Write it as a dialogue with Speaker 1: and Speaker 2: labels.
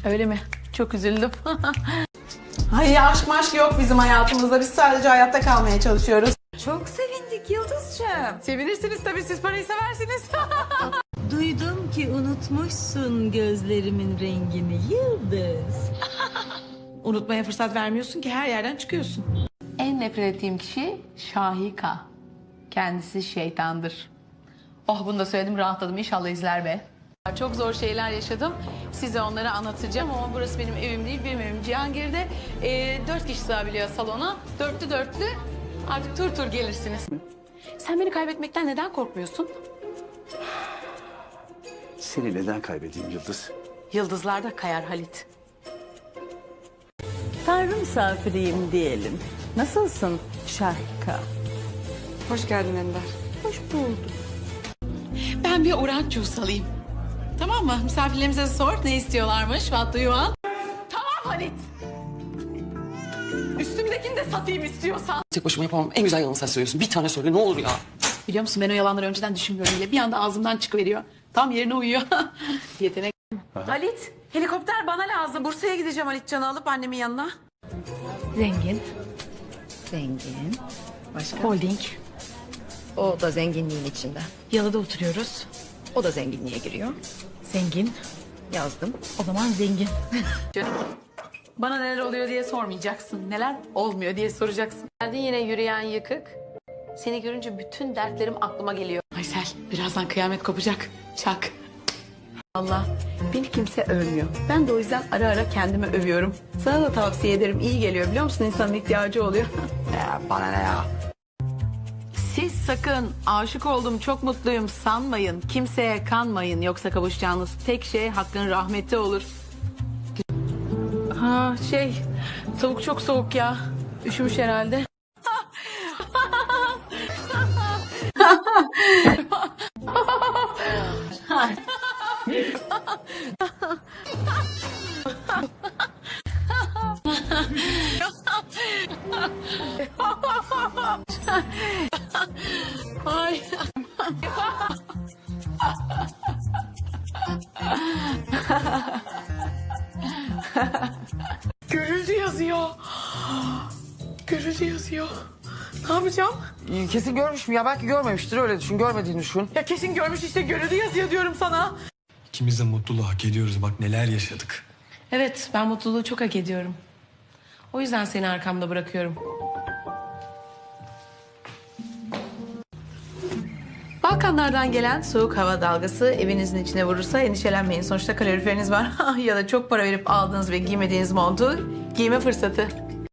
Speaker 1: Öyle mi? Çok üzüldüm.
Speaker 2: Ay aşk maşk yok bizim hayatımızda. Biz sadece hayatta kalmaya çalışıyoruz.
Speaker 3: Çok sevindik Yıldız'cığım.
Speaker 1: Sevinirsiniz tabii, siz parayı seversiniz.
Speaker 3: Duydum ki unutmuşsun gözlerimin rengini Yıldız.
Speaker 2: Unutmaya fırsat vermiyorsun ki, her yerden çıkıyorsun.
Speaker 1: En nefret ettiğim kişi Şahika. Kendisi şeytandır. Oh, bunu da söyledim, rahatladım. İnşallah izler be. Çok zor şeyler yaşadım. Size onları anlatacağım ama burası benim evim değil. Benim evim Cihangir'de. 4 kişi sığabiliyor salona. Dörtlü. Artık tur tur gelirsiniz. Sen beni kaybetmekten neden korkmuyorsun?
Speaker 4: Seni neden kaybedeyim Yıldız?
Speaker 1: Yıldızlar da kayar Halit.
Speaker 3: Tanrı misafiriyim diyelim. Nasılsın Şahika?
Speaker 2: Hoş geldin Ender.
Speaker 3: Hoş bulduk.
Speaker 1: Ben bir orange juice alayım. Tamam mı? Misafirlerimize sor ne istiyorlarmış. What do you want? Tamam Halit. Üstümdekini de satayım istiyorsan.
Speaker 5: Tek başıma yapamam. En güzel yalanı sen söylüyorsun. Bir tane söyle ne olur ya.
Speaker 1: Biliyor musun, ben o yalanları önceden düşünmüyorum bile. Bir anda ağzımdan çıkıveriyor. Tam yerine uyuyor. Yetenek. Halit, helikopter bana lazım. Bursa'ya gideceğim Halitcan'ı alıp annemin yanına. Zengin.
Speaker 6: Zengin. Başka?
Speaker 1: Holding.
Speaker 6: O da zenginliğin içinde.
Speaker 1: Yalıda oturuyoruz.
Speaker 6: O da zenginliğe giriyor.
Speaker 1: Zengin.
Speaker 6: Yazdım.
Speaker 1: O zaman zengin. Canım, bana neler oluyor diye sormayacaksın. Neler olmuyor diye soracaksın. Geldin yine yürüyen yıkık. Seni görünce bütün dertlerim aklıma geliyor. Aysel, birazdan kıyamet kopacak. Çak. Allah, beni kimse övmüyor. Ben de o yüzden ara ara kendimi övüyorum. Sana da tavsiye ederim. İyi geliyor, biliyor musun? İnsanın ihtiyacı oluyor.
Speaker 5: Ya bana ne ya?
Speaker 1: Siz sakın aşık oldum, çok mutluyum sanmayın. Kimseye kanmayın. Yoksa kavuşacağınız tek şey Hakk'ın rahmeti olur. Ha tavuk çok soğuk ya. Üşümüş herhalde. Ay. Görüldü yazıyor. Görüldü yazıyor. Ne yapacağım?
Speaker 5: Kesin görmüşüm ya. Belki görmemiştir. Öyle düşün. Görmediğini düşün.
Speaker 1: Ya kesin görmüş işte, görüldü yazıyor diyorum sana.
Speaker 7: İkimiz de mutluluğu hak ediyoruz. Bak neler yaşadık.
Speaker 1: Evet, ben mutluluğu çok hak ediyorum. O yüzden seni arkamda bırakıyorum. Balkanlardan gelen soğuk hava dalgası evinizin içine vurursa endişelenmeyin. Sonuçta kaloriferiniz var. Ya da çok para verip aldığınız ve giymediğiniz montu giyme fırsatı.